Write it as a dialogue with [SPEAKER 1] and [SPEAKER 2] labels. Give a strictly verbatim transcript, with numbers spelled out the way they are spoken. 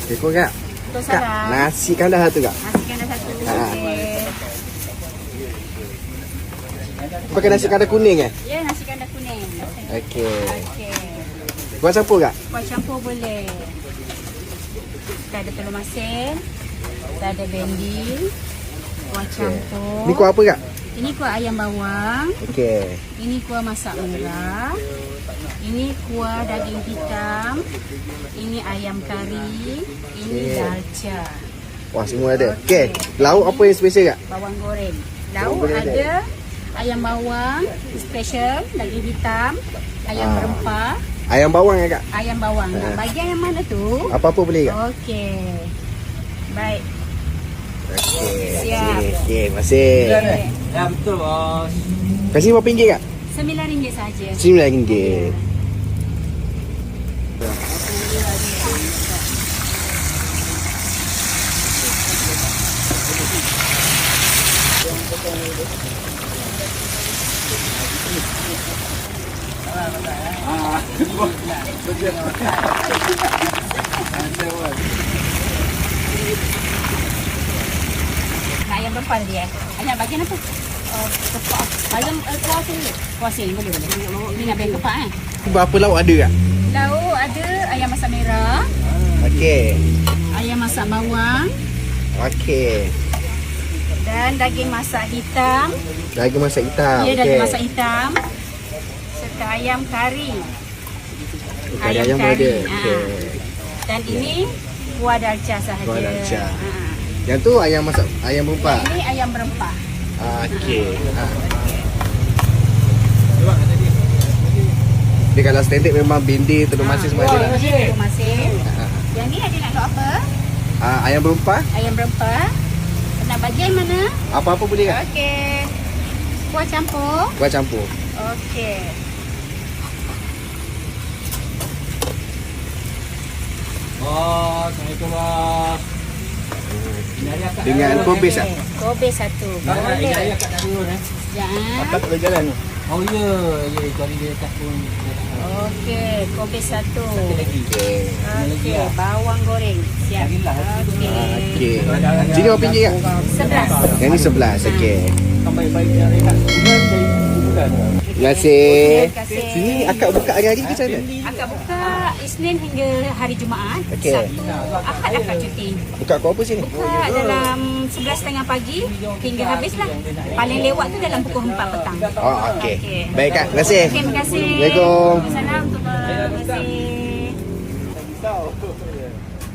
[SPEAKER 1] Tekor kak.
[SPEAKER 2] Betul
[SPEAKER 1] Kak,
[SPEAKER 2] salah.
[SPEAKER 1] nasi kandah satu kak.
[SPEAKER 2] Nasi kandar satu.
[SPEAKER 1] Ha.
[SPEAKER 2] Okey.
[SPEAKER 1] Pakai nasi kandah kuning eh?
[SPEAKER 2] Ya, nasi kandar kuning.
[SPEAKER 1] Okey.
[SPEAKER 2] Okey.
[SPEAKER 1] Kuah campur kak?
[SPEAKER 2] Kuah campur boleh. Kita ada telur masin. Kita ada bendi. Kuah campur.
[SPEAKER 1] Ni kuah apa kak?
[SPEAKER 2] Ini kuah ayam bawang.
[SPEAKER 1] Okey.
[SPEAKER 2] Ini kuah masak merah. Ini kuah daging hitam. Ini ayam kari. Ini
[SPEAKER 1] Okey.
[SPEAKER 2] dalca.
[SPEAKER 1] Wah, semua ada. Okey. Lauk apa yang special kak?
[SPEAKER 2] Bawang goreng.
[SPEAKER 1] Bawang
[SPEAKER 2] Lauk
[SPEAKER 1] goreng ada.
[SPEAKER 2] ada ayam bawang special, daging hitam, ayam
[SPEAKER 1] Ah.
[SPEAKER 2] berempah,
[SPEAKER 1] Ayam bawang ya kak?
[SPEAKER 2] ayam bawang. Nak
[SPEAKER 1] Ah.
[SPEAKER 2] bagi yang mana tu?
[SPEAKER 1] Apa-apa boleh kak?
[SPEAKER 2] Okey. Baik.
[SPEAKER 1] Okey.
[SPEAKER 2] Siap.
[SPEAKER 1] Okey, masih.
[SPEAKER 2] Okey.
[SPEAKER 3] Ya betul bos.
[SPEAKER 1] Kasih berapa ringgit kak?
[SPEAKER 2] sembilan ringgit saja.
[SPEAKER 1] Sembilan ringgit.
[SPEAKER 2] Nak ayam berempah tadi eh? Ayam bagian apa? Uh, kepak. Ayam uh, kuah sini. Kuah sini boleh boleh. Ini nak bagi kepak eh?
[SPEAKER 1] Berapa lauk ada kak?
[SPEAKER 2] Lauk ada ayam masak merah,
[SPEAKER 1] Okey.
[SPEAKER 2] ayam masak bawang
[SPEAKER 1] Okey.
[SPEAKER 2] dan daging masak hitam.
[SPEAKER 1] Daging masak hitam.
[SPEAKER 2] Ya,
[SPEAKER 1] Okey.
[SPEAKER 2] daging masak hitam. Serta ayam kari.
[SPEAKER 1] Kari ayam pun ada.
[SPEAKER 2] Ha.
[SPEAKER 1] Okey.
[SPEAKER 2] Dan ini kuah dalca sahaja.
[SPEAKER 1] Kuah dalca.
[SPEAKER 2] Ha.
[SPEAKER 1] Yang tu ayam masak ayam berempah.
[SPEAKER 2] Ini ayam berempah.
[SPEAKER 1] Okey. Ha. Dia kalau standard memang bindi, telur masin semua ada lah.
[SPEAKER 2] Ini telur masin.
[SPEAKER 1] Ha.
[SPEAKER 2] Yang ni ada nak lauk apa?
[SPEAKER 1] Ah, ayam berempah,
[SPEAKER 2] Ayam berempah. Nak bagi yang mana?
[SPEAKER 1] apa-apa boleh kak?
[SPEAKER 2] Okey. Kuah campur.
[SPEAKER 1] Kuah campur.
[SPEAKER 2] Okey.
[SPEAKER 3] Bos, Assalamualaikum bos. Ini hari akak
[SPEAKER 1] Dengan
[SPEAKER 3] dah
[SPEAKER 1] kobe
[SPEAKER 3] turun,
[SPEAKER 1] sah.
[SPEAKER 3] eh?
[SPEAKER 2] Kobe satu.
[SPEAKER 3] Ini hari
[SPEAKER 2] Boleh.
[SPEAKER 3] akak dah turun eh.
[SPEAKER 2] Ya.
[SPEAKER 1] Akak tak boleh jalan tu.
[SPEAKER 3] Oh ya, ya itu hari dia kat pun.
[SPEAKER 2] Okey, kobe satu.
[SPEAKER 3] Satu lagi.
[SPEAKER 1] Okey.
[SPEAKER 2] Okey, bawang goreng. Siap.
[SPEAKER 3] Carilah.
[SPEAKER 2] Okey.
[SPEAKER 1] Okey. Sini berapa ringgit kak?
[SPEAKER 2] Sebelas.
[SPEAKER 1] Yang ni sebelas. Okey.
[SPEAKER 3] Kan baik-baik yang rehat. Bulan dari bulan.
[SPEAKER 1] Terima kasih.
[SPEAKER 2] Terima kasih.
[SPEAKER 1] Sini akak buka hari-hari ke macam mana?
[SPEAKER 2] Akak buka Isnin hingga hari Jumaat.
[SPEAKER 1] Okey.
[SPEAKER 2] Sabtu, Ahad akak cuti.
[SPEAKER 1] Buka pukul apa sini?
[SPEAKER 2] Buka dalam sebelas tiga puluh pagi hingga habis lah. Paling lewat tu dalam pukul empat petang.
[SPEAKER 1] Oh, okey.
[SPEAKER 2] Okey.
[SPEAKER 1] Baik kak, terima kasih.
[SPEAKER 2] Okey, terima kasih.
[SPEAKER 1] Assalamualaikum.
[SPEAKER 2] Assalamualaikum. Terima kasih.